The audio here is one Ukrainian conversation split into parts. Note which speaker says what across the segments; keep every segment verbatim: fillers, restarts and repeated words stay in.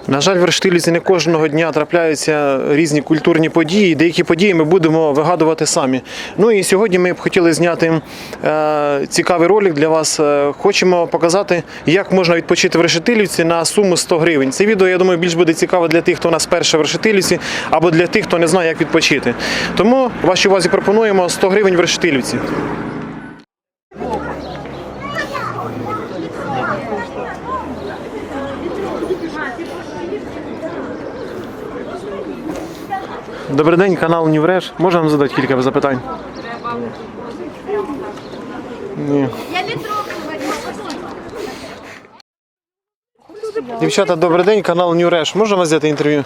Speaker 1: На жаль, в Рештилівці не кожного дня трапляються різні культурні події. Деякі події ми будемо вигадувати самі. Ну і сьогодні ми б хотіли зняти е, цікавий ролик для вас. Хочемо показати, як можна відпочити в Рештилівці на суму сто гривень. Це відео, я думаю, більш буде цікаве для тих, хто у нас вперше в Рештилівці, або для тих, хто не знає, як відпочити. Тому вашій увазі пропонуємо сто гривень в Рештилівці. Добрий день, канал Нівреш. Можна вам задати кілька запитань? Ні. Дівчата, добрий день, канал Нівреш. Можна вас взяти інтерв'ю?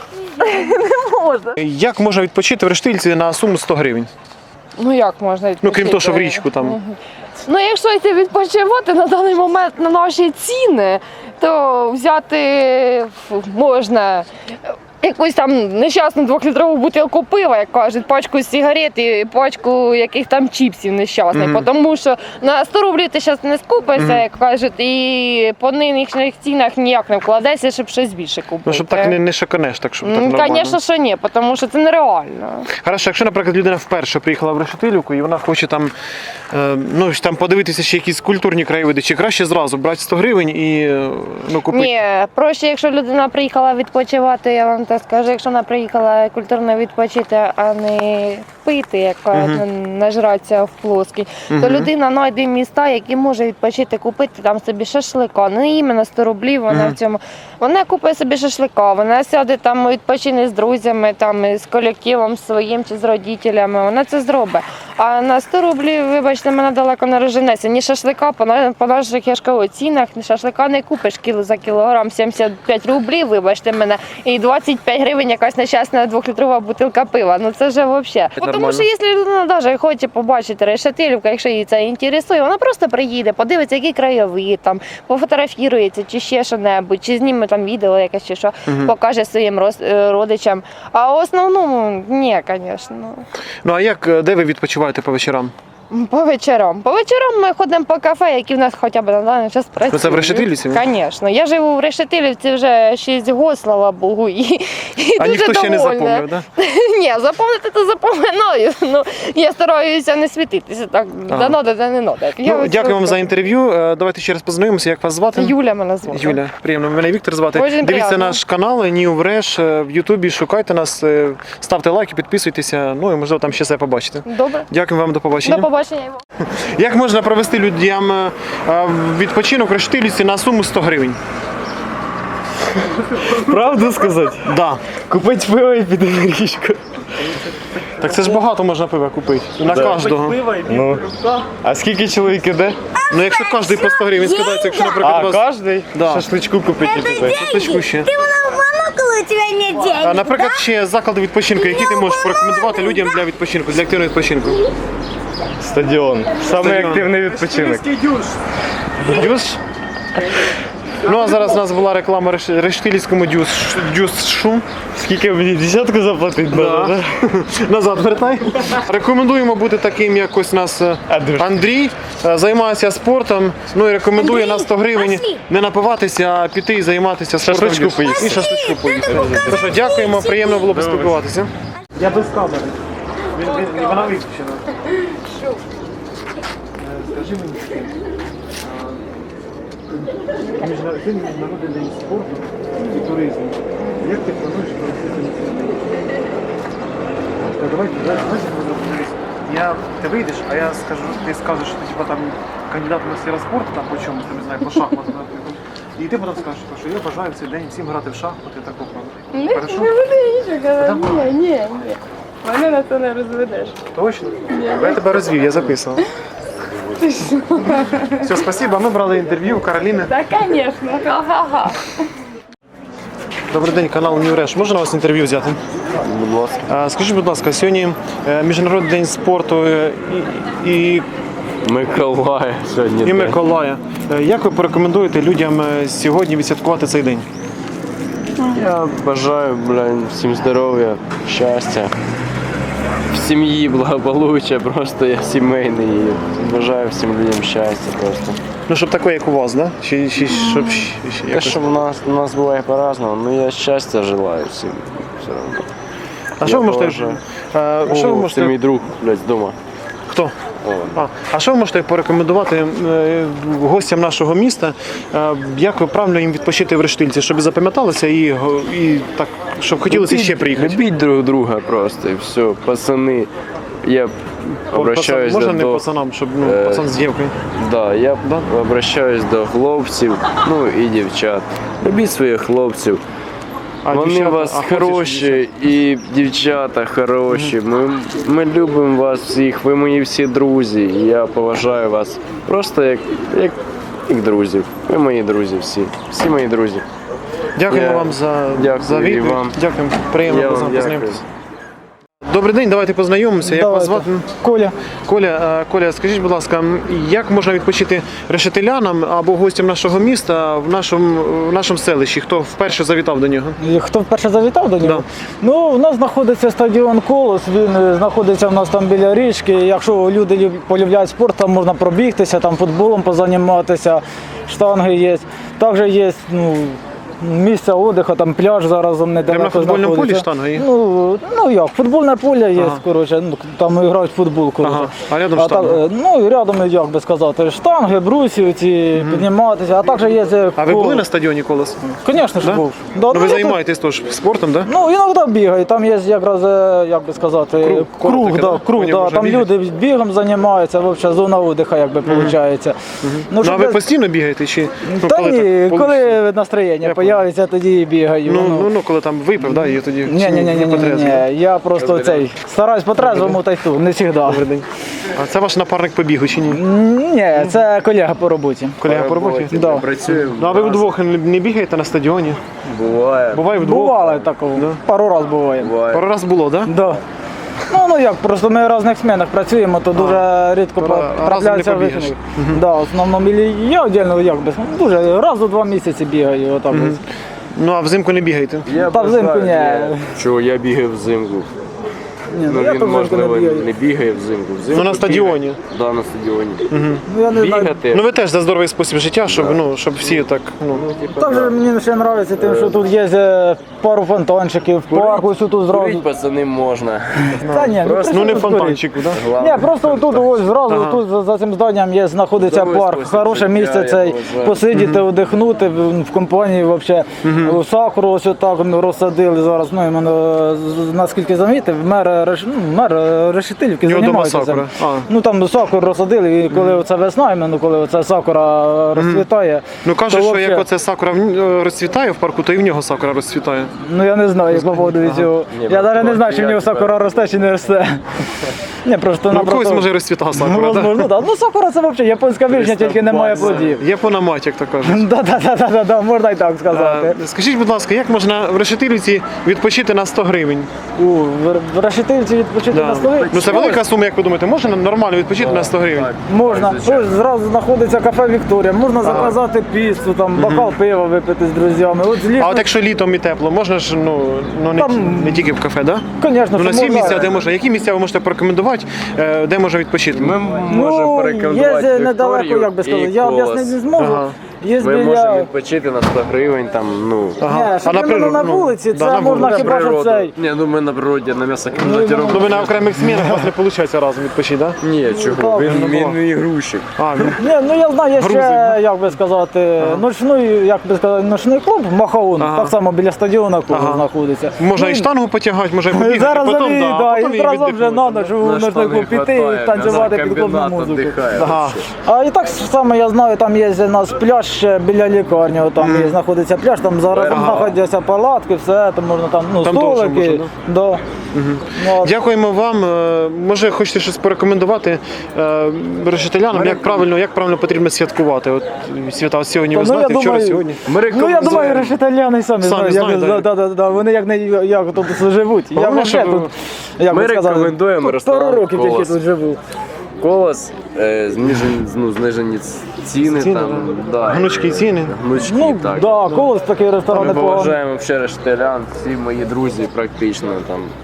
Speaker 2: Не можна.
Speaker 1: Як можна відпочити в Рештилівці на суму сто гривень?
Speaker 2: Ну як можна відпочити?
Speaker 1: Ну, крім того, що в річку там.
Speaker 2: Угу. Ну, якщо йти відпочивати на даний момент на наші ціни, то взяти можна якусь там нещасну двохлітрову бутилку пива, як кажуть, пачку сигарет і пачку яких там чіпсів нещасних. Mm-hmm. Тому що на сто рублів ти зараз не скупишся, mm-hmm. як кажуть, і по нинішніх цінах ніяк не вкладешся, щоб щось більше купити.
Speaker 1: Ну, щоб так не, не шиканеш, так, щоб так нормально.
Speaker 2: Звісно, що ні, тому що це нереально.
Speaker 1: Хорошо, якщо, наприклад, людина вперше приїхала в Рештилівку і вона хоче там, е, ну, там подивитися ще якісь культурні краєвиди, чи краще зразу брати сто гривень і ну, купити?
Speaker 2: Ні, проще, якщо людина приїхала відпочивати, я вам так скажу, якщо вона приїхала культурно відпочити, а не пити, як кажуть, uh-huh. нажратися в плоский, uh-huh. то людина знайде міста, які може відпочити, купити там собі шашлика. Не іменно сто рублів вона uh-huh. в цьому. Вона купить собі шашлика, вона сяде там, відпочине з друзями, там, з колективом своїм чи з родителями, вона це зробить. А на сто рублів, вибачте, мене далеко не розженеться. Ні шашлика, по, по наших яшкових цінах, ні шашлика не купиш кіло за кілограм, сімдесят п'ять рублів, вибачте мене, і двадцять п'ять гривень якась нещасна двохлітрова бутилка пива. Ну це вже взагалі. Тому що якщо людина навіть хоче побачити Рештилівку, якщо її це інтересує, вона просто приїде, подивиться, які краєвид, там, пофотографірується, чи ще що-небудь, чи зніме там відео якесь, чи що, угу. покаже своїм родичам. А в основному, ні, звісно.
Speaker 1: Ну а як, де ви відпочиваєте по вечорам?
Speaker 2: По вечорам. По вечорам ми ходимо по кафе, які в нас хоча б на даний час працюють.
Speaker 1: Ну це в Рештилівці?
Speaker 2: Звісно. Я живу в Рештилівці вже шість років, слава Богу, і, і
Speaker 1: а
Speaker 2: дуже
Speaker 1: ніхто
Speaker 2: довольна.
Speaker 1: Ще не запомнив, так? Да?
Speaker 2: Ні, запомнити то запоминаю. Ну, я стараюся не світитися так, да надо, да не надо.
Speaker 1: Ну, дякую вам за інтерв'ю. Давайте ще раз познайомимося, як вас звати?
Speaker 2: Юля мене звати.
Speaker 1: Юля, приємно. Мене Віктор звати.
Speaker 2: Очень
Speaker 1: Дивіться
Speaker 2: приємно.
Speaker 1: Наш канал Нівреш в Ютубі, шукайте нас, ставте лайки, підписуйтеся, ну і можливо там ще все побачите.
Speaker 2: Добре.
Speaker 1: Дякую вам, до побачення.
Speaker 2: До побачення.
Speaker 1: Як можна провести людям відпочинок в Рештилівці на суму сто гривень?
Speaker 3: Правду сказати?
Speaker 1: Да.
Speaker 3: Купить пиво і піти на річку.
Speaker 1: Так це ж багато можна пива купити. На
Speaker 3: Да.
Speaker 1: кожного.
Speaker 3: Ну, а скільки чоловік іде?
Speaker 1: Ну якщо кожен по сто гривень скидається, якщо, наприклад,
Speaker 3: А,
Speaker 1: вас...
Speaker 3: кожний?
Speaker 1: Да.
Speaker 3: Шашличку купити і піти.
Speaker 1: Шашличку ще.
Speaker 4: Ты монокл, у тебя нет денег,
Speaker 1: А, наприклад, ще заклади відпочинку, які ти можеш порекомендувати людям для відпочинку, для активного відпочинку?
Speaker 3: Стадіон. Самий
Speaker 1: Стадіон.
Speaker 3: активний відпочинок.
Speaker 1: Дюш? Ну а зараз у нас була реклама Реш- Рештилівському дюш, дюшу.
Speaker 3: Скільки мені десятку заплатити
Speaker 1: Да.
Speaker 3: треба,
Speaker 1: Назад вертай. Рекомендуємо бути таким, як ось у нас е,
Speaker 3: Андрій.
Speaker 1: Андрій, е, займається спортом, ну і рекомендує
Speaker 4: Андрій,
Speaker 1: на сто гривень
Speaker 4: пошли.
Speaker 1: не напиватися, а піти і займатися спортом.
Speaker 3: Шашличку поїсти.
Speaker 1: І шашличку поїсти. Тож, дякуємо, приємно було поспілкуватися. Я без камери. Вона виключена. Скажи мені, Міжнародний міжнародний день спорту і туризму. Як ти плануєш провести цю Давайте, давайте, я, ти вийдеш, а я скажу, ти скажеш, що ти типа, там, кандидат в мастера спорту, там, по чомусь, там, не знаю, по шахмату, наприклад. І ти потім скажеш, що я бажаю в цей день всім грати в шахмати, так попробуй.
Speaker 2: Не буду нічого казати. Ні, ні, ні. Мене на це не розведеш.
Speaker 1: Точно? Я тебе розвів, я записував. Все, спасибо. Ми брали інтерв'ю у Кароліни.
Speaker 2: Так, звісно. Ха-ха-ха.
Speaker 1: Добрий день, канал Нівреш. Можна у вас інтерв'ю взяти?
Speaker 3: Будь ласка.
Speaker 1: А, скажіть, будь ласка, сьогодні е, Міжнародний день спорту е, і, і,
Speaker 3: Миколая сьогодні.
Speaker 1: і
Speaker 3: день.
Speaker 1: Миколая. Е, Як ви порекомендуєте людям е, сьогодні відсвяткувати цей день?
Speaker 3: Я бажаю, блін, всім здоров'я, щастя. в сім'ї благополуччя, просто я сімейний і бажаю всім людям щастя просто.
Speaker 1: Ну, щоб таке, як у вас, да? Чи, чи щоб ще, ще
Speaker 3: Те,
Speaker 1: якось...
Speaker 3: що в нас, у нас буває по-разному, ну я щастя желаю всім. Все одно.
Speaker 1: А що ви можете... е, Що ви
Speaker 3: О,
Speaker 1: можете...
Speaker 3: це мій друг, блядь, вдома.
Speaker 1: Хто?
Speaker 3: О,
Speaker 1: А, а що ви можете порекомендувати е, гостям нашого міста, е, як правильно їм відпочити в Рештильці, щоб запам'яталося і, го- і так, щоб хотілося ще приїхати?
Speaker 3: Любіть друг друга просто і все. Пацани, я обращаюсь
Speaker 1: Можна
Speaker 3: до...
Speaker 1: не
Speaker 3: до-
Speaker 1: пацанам, щоб ну,
Speaker 3: е,
Speaker 1: пацан з дівкою?
Speaker 3: Да, я
Speaker 1: Да?
Speaker 3: обращаюсь до хлопців, ну і дівчат. Любіть своїх хлопців.
Speaker 1: А
Speaker 3: Вони
Speaker 1: дівчата?
Speaker 3: у вас
Speaker 1: А хлопці
Speaker 3: хороші і дівчата хороші. Ми, ми любимо вас всіх, ви мої всі друзі. І я поважаю вас просто як, як, як друзів. Ви мої друзі всі. Всі мої друзі.
Speaker 1: Дякуємо
Speaker 3: Я-
Speaker 1: вам за,
Speaker 3: дякую
Speaker 1: за
Speaker 3: і
Speaker 1: відповідь.
Speaker 3: вам.
Speaker 1: Дякуємо. Приємно
Speaker 3: Я
Speaker 1: з
Speaker 3: вам
Speaker 1: вами
Speaker 3: дякую.
Speaker 1: познайомитися. Добрий день, давайте познайомимося. Як вас
Speaker 5: Давайте.
Speaker 1: звати?
Speaker 5: Коля.
Speaker 1: Коля, е, Коля, скажіть, будь ласка, як можна відпочити решетилянам або гостям нашого міста в нашому, в нашому селищі? Хто вперше завітав до нього?
Speaker 5: І Хто вперше завітав до нього?
Speaker 1: Да.
Speaker 5: Ну, у нас знаходиться стадіон Колос, він е, знаходиться в нас там біля річки. Якщо люди люб- полюбляють спорт, там можна пробігтися, там футболом позаніматися, штанги є. Також є ну, місце відпочинку, там пляж зараз там недалеко
Speaker 1: на футбольному
Speaker 5: знаходиться.
Speaker 1: полі штанга є?
Speaker 5: Ну, ну як, футбольне поле є,
Speaker 1: Ага.
Speaker 5: коротше, ну, там грають в футбол. Коротше.
Speaker 1: Ага. А рядом
Speaker 5: так,
Speaker 1: штанга?
Speaker 5: е, ну і рядом, як би сказати, штанги, брусі ці, підніматися, а також є... е,
Speaker 1: А ви
Speaker 5: коло.
Speaker 1: були на стадіоні Колос?
Speaker 5: Звісно ж
Speaker 1: Да?
Speaker 5: був. Да,
Speaker 1: Ну ви
Speaker 5: я тут-
Speaker 1: займаєтесь теж спортом, так? Да?
Speaker 5: Ну, іноді бігаю, там є якраз, е, як би сказати,
Speaker 1: Круг,
Speaker 5: круг,
Speaker 1: коло таке,
Speaker 5: да,
Speaker 1: да?
Speaker 5: круг
Speaker 1: По ньому
Speaker 5: да,
Speaker 1: можна
Speaker 5: там
Speaker 1: бігати?
Speaker 5: люди бігом займаються, взагалі зона віддиху, як би виходить. Ну,
Speaker 1: Ну, а
Speaker 5: щоб
Speaker 1: ви
Speaker 5: без-
Speaker 1: постійно бігаєте? Чи, ну,
Speaker 5: Та
Speaker 1: коли
Speaker 5: ні,
Speaker 1: так,
Speaker 5: коли настроєння з'явиться, тоді і бігаю.
Speaker 1: Ну, ну, ну, коли там випив, да, і тоді
Speaker 5: Ні, ні, ні, ні, ні, ні, я просто
Speaker 3: Розбираю.
Speaker 5: цей стараюсь по трезвому та й ту, не завжди.
Speaker 1: Добрий день. А це ваш напарник по бігу чи ні?
Speaker 5: Ні, це колега по роботі.
Speaker 1: Колега по роботі?
Speaker 5: Да.
Speaker 3: Працюємо.
Speaker 1: Ну, а ви вдвох не не бігаєте на стадіоні?
Speaker 3: Буває.
Speaker 1: Буває вдвох?
Speaker 5: Бувало такого, пару разів буває.
Speaker 3: Буває.
Speaker 1: Пару раз було, так? Да?
Speaker 5: Да. Ну, ну як, просто ми в різних змінах працюємо, то дуже рідко
Speaker 1: то
Speaker 5: по-
Speaker 1: разом не
Speaker 5: трапляються
Speaker 1: побігаєш.
Speaker 5: вихідних. Да, в основному і я віддільно як би, дуже раз у два місяці бігаю. Отак. ось.
Speaker 1: Ну, а взимку не бігаєте?
Speaker 3: Я
Speaker 5: Та взимку
Speaker 3: бажаю,
Speaker 5: ні.
Speaker 3: я- Чого я бігаю взимку?
Speaker 5: Ні,
Speaker 3: Ну,
Speaker 5: ну, я
Speaker 3: він,
Speaker 5: то взимку не
Speaker 3: можливо,
Speaker 5: бігаю.
Speaker 3: не бігає взимку. взимку
Speaker 1: Ну, на стадіоні.
Speaker 3: бігає. Да, на стадіоні.
Speaker 5: Ну, я не знаю.
Speaker 3: Бігати.
Speaker 1: Ну ви теж за здоровий спосіб життя, щоб, ну, щоб всі так. Ну,
Speaker 5: Також мені ще подобається тим, що тут є е, пару фонтанчиків, парк ось тут зразу.
Speaker 3: Курить, пацани, можна.
Speaker 5: Та ні,
Speaker 3: Просто,
Speaker 1: ну не
Speaker 5: при чому тут
Speaker 1: фонтанчику, так? Да?
Speaker 3: Главное,
Speaker 5: Ні, просто тут ось зразу
Speaker 1: Ага.
Speaker 5: тут за, за цим зданням є знаходиться
Speaker 3: Здоровий
Speaker 5: парк,
Speaker 3: спосіб
Speaker 5: хороше
Speaker 3: життя,
Speaker 5: місце
Speaker 3: я
Speaker 5: цей
Speaker 3: поважаю.
Speaker 5: посидіти, одихнути в, в компанії вообще. Сакуру ось отак ну, розсадили зараз. Ну іменно з- наскільки замітив, мер Реш- ну, мер Решетилівки
Speaker 1: У нього дома
Speaker 5: займається цим.
Speaker 1: сакура. А.
Speaker 5: Ну там сакуру розсадили, і коли оце весна, іменно коли оце сакура розцвітає.
Speaker 1: Ну кажуть,
Speaker 5: то
Speaker 1: що
Speaker 5: вообще-
Speaker 1: як оце сакура в- е, розцвітає в парку, то і в нього сакура розцвітає.
Speaker 5: Ну я не знаю, по поводу цього.
Speaker 3: Ні,
Speaker 5: Я навіть не знаю, чи в
Speaker 3: я
Speaker 5: нього
Speaker 3: тепер-
Speaker 5: сакура росте чи не росте. Ні, просто
Speaker 1: Ну, в когось
Speaker 5: напросто-
Speaker 1: може розцвітає
Speaker 5: Ну,
Speaker 1: сакура, так?
Speaker 5: возможно, да. Ну, сакура це взагалі японська вишня, тільки немає плодів.
Speaker 1: Є пономать, як то кажуть.
Speaker 5: Да, да, да, да, да, да, можна і так сказати.
Speaker 1: Е, Скажіть, будь ласка, як можна в Решетилівці відпочити на сто гривень?
Speaker 5: У в- в Решетилівці відпочити
Speaker 1: Да.
Speaker 5: на столі?
Speaker 1: Ну це велика сума, як ви думаєте, можна нормально відпочити на сто гривень?
Speaker 5: Можна.
Speaker 3: звичайно.
Speaker 5: Ось зразу знаходиться кафе Вікторія, можна заказати піцу, там, бокал пива випити з друзями. От злісно,
Speaker 1: А от якщо літом і тепло, можна ж ну, ну не,
Speaker 5: Там-
Speaker 1: не тільки в кафе, так? Да?
Speaker 5: звісно,
Speaker 1: Ну, на
Speaker 5: що
Speaker 1: всі
Speaker 5: можна.
Speaker 1: місця, де можна. Які місця ви можете порекомендувати, е, де можна відпочити?
Speaker 3: Ми можемо
Speaker 5: Ну,
Speaker 3: порекомендувати
Speaker 5: є недалеко,
Speaker 3: Вікторію
Speaker 5: як би сказати,
Speaker 3: і
Speaker 5: я
Speaker 3: Колос.
Speaker 5: об'яснити не зможу.
Speaker 1: Ага.
Speaker 5: Є
Speaker 3: Ми можемо
Speaker 5: біля...
Speaker 3: відпочити на сто гривень, там, ну,
Speaker 5: Ні, щоб іменно на
Speaker 1: ну,
Speaker 5: вулиці,
Speaker 1: да,
Speaker 5: це
Speaker 1: на
Speaker 5: можна
Speaker 1: вулиці.
Speaker 5: хіба що
Speaker 3: природу.
Speaker 5: цей.
Speaker 3: Ні, ну ми на природі, на м'ясокомбінаті
Speaker 5: Ну,
Speaker 3: робимо.
Speaker 1: Ну ви на окремих змінах у вас не виходить разом відпочити, так? Да?
Speaker 3: Ні, чого,
Speaker 5: так,
Speaker 3: він,
Speaker 1: ну,
Speaker 3: він мій грузчик.
Speaker 1: А, ну,
Speaker 5: Ні, ну я знаю, є
Speaker 1: Грузик,
Speaker 5: ще, як би сказати, ночний, як би сказати, ночний клуб Махаун,
Speaker 1: Ага.
Speaker 5: так само біля стадіона клуб
Speaker 1: Ага.
Speaker 5: знаходиться.
Speaker 1: можна
Speaker 5: Ну,
Speaker 1: і штангу потягати, може побігати,
Speaker 5: Зараз
Speaker 1: потім,
Speaker 5: вони,
Speaker 1: да,
Speaker 5: да,
Speaker 1: а потім
Speaker 5: і разом вже на
Speaker 1: віддихнути.
Speaker 5: ніч у ночний клуб піти і танцювати під клубну музику.
Speaker 1: Ага.
Speaker 5: А і так само я знаю, там є у нас пляж ще біля лікарні, там є, знаходиться пляж, там зараз там
Speaker 3: Ага.
Speaker 5: знаходяться палатки, все, там можна там, ну,
Speaker 1: Там теж
Speaker 5: столики.
Speaker 1: можна,
Speaker 5: Да. Ну, от.
Speaker 1: Дякуємо вам. Е, Може, хочете щось порекомендувати е, решетилянам, як правильно, як правильно потрібно святкувати? От свята от сьогодні, ви
Speaker 5: Ну, я
Speaker 1: знаєте, вчора,
Speaker 5: думаю,
Speaker 1: сьогодні.
Speaker 3: Ми
Speaker 5: Ну я думаю, решетальяни самі,
Speaker 1: Самі
Speaker 5: знають, як,
Speaker 1: знають,
Speaker 5: да, да, да, вони як, не, як тут живуть. Я
Speaker 1: Головне,
Speaker 5: вже
Speaker 1: щоб-
Speaker 5: тут, як
Speaker 3: Ми
Speaker 5: би сказати,
Speaker 3: рекомендуємо
Speaker 5: тут
Speaker 3: ресторан
Speaker 5: пару років тільки
Speaker 3: «Колос».
Speaker 5: тут живу.
Speaker 3: Колос, е, знижені, ну, знижені ціни,
Speaker 1: Ціни,
Speaker 3: там, да.
Speaker 1: Гнучкі ціни.
Speaker 3: Гнучки,
Speaker 5: Ну,
Speaker 3: так.
Speaker 5: да, колос такий ресторан
Speaker 3: Ми
Speaker 5: непоганий.
Speaker 3: поважаємо ще рештелян, всі мої друзі практично там.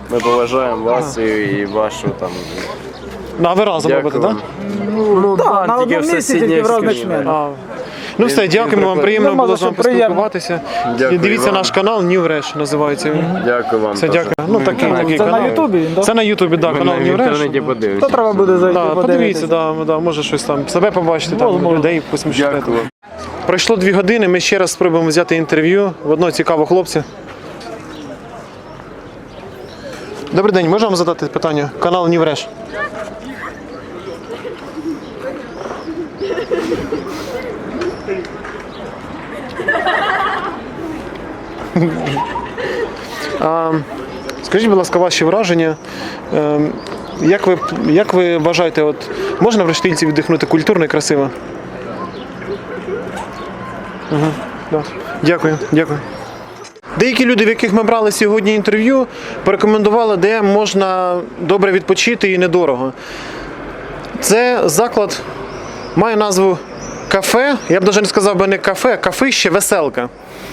Speaker 3: Ми поважаємо вас і, і вашу там.
Speaker 1: Ну, а ви разом
Speaker 3: Дякую
Speaker 1: робите, так?
Speaker 3: вам. Ну,
Speaker 5: Так, на
Speaker 3: тільки
Speaker 5: одному
Speaker 3: в
Speaker 5: місці,
Speaker 3: сусідній
Speaker 5: тільки в різних
Speaker 3: країні.
Speaker 5: членах.
Speaker 1: А, ну все,
Speaker 3: Він-
Speaker 1: дякуємо
Speaker 3: він
Speaker 1: вам,
Speaker 3: прикольний.
Speaker 1: приємно
Speaker 5: Нема
Speaker 1: було
Speaker 5: за
Speaker 1: з вами
Speaker 5: що, приємно.
Speaker 1: поспілкуватися.
Speaker 3: Дякую
Speaker 1: Дивіться
Speaker 3: вам.
Speaker 1: наш канал New Fresh, називається він.
Speaker 3: Дякую вам.
Speaker 1: Все,
Speaker 3: теж.
Speaker 1: дякую. Ну такий,
Speaker 3: Ми-
Speaker 1: такий
Speaker 5: Це на
Speaker 1: канал.
Speaker 5: Ютубі він, так?
Speaker 1: Це на Ютубі, так,
Speaker 3: Ми
Speaker 1: канал
Speaker 3: в
Speaker 1: New
Speaker 3: інтернеті
Speaker 1: Fresh.
Speaker 3: подивимося.
Speaker 5: То треба буде зайти,
Speaker 1: Да, подивіться,
Speaker 5: подивитися.
Speaker 1: да, да, може щось там себе побачити, там
Speaker 5: Можна.
Speaker 1: людей посмішити.
Speaker 3: Дякую.
Speaker 1: Пройшло дві години, ми ще раз спробуємо взяти інтерв'ю в одного цікавого хлопця. Добрий день, можу вам задати питання? Канал New Fresh. А, скажіть, будь ласка, ваші враження. Ем, Як ви, як ви вважаєте, от, можна в Рештильці віддихнути культурно і красиво? Угу, да. Дякую, дякую. Деякі люди, в яких ми брали сьогодні інтерв'ю, порекомендували, де можна добре відпочити і недорого. Це заклад має назву кафе, я б навіть не сказав би не кафе, а кафище «Веселка».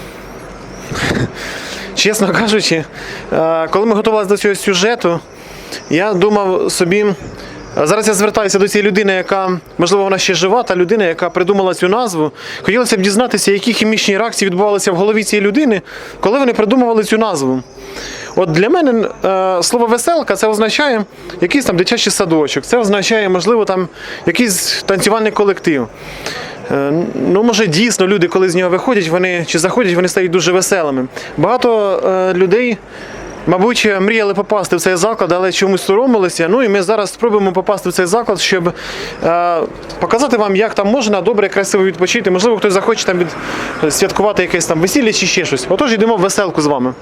Speaker 1: Чесно кажучи, е, коли ми готувалися до цього сюжету, я думав собі, зараз я звертаюся до цієї людини, яка, можливо, вона ще жива, та людина, яка придумала цю назву. Хотілося б дізнатися, які хімічні реакції відбувалися в голові цієї людини, коли вони придумували цю назву. От для мене е, слово «веселка» це означає якийсь там дитячий садочок, це означає, можливо, там якийсь танцювальний колектив. Е, ну, може, дійсно люди, коли з нього виходять, вони чи заходять, вони стають дуже веселими. Багато е, людей, мабуть, мріяли попасти в цей заклад, але чомусь соромилися. Ну і ми зараз спробуємо попасти в цей заклад, щоб е, показати вам, як там можна добре, красиво відпочити. Можливо, хтось захоче там від, святкувати якесь там весілля чи ще щось. Отож, йдемо в «Веселку» з вами.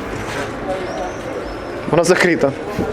Speaker 1: Вона закрита.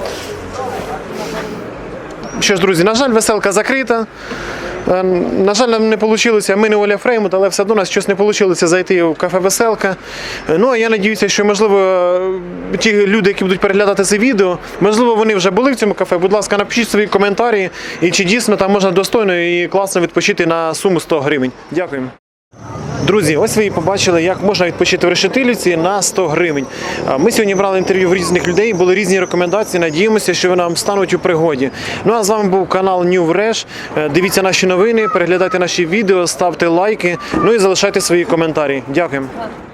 Speaker 1: Що ж, друзі, на жаль, «Веселка» закрита. Е, На жаль, нам не вийшло, ми не Оля Фреймут, але все одно у нас щось не вийшло зайти в кафе «Веселка». Е, Ну, а я сподіваюся, що, можливо, ті люди, які будуть переглядати це відео, можливо, вони вже були в цьому кафе. Будь ласка, напишіть свої коментарі, і чи дійсно там можна достойно і класно відпочити на суму сто гривень. Дякуємо. Друзі, ось ви і побачили, як можна відпочити в Решетилівці на сто гривень. Ми сьогодні брали інтерв'ю в різних людей, були різні рекомендації, надіємося, що вони нам стануть у пригоді. Ну а з вами був канал New Fresh. Дивіться наші новини, переглядайте наші відео, ставте лайки, ну і залишайте свої коментарі. Дякуємо.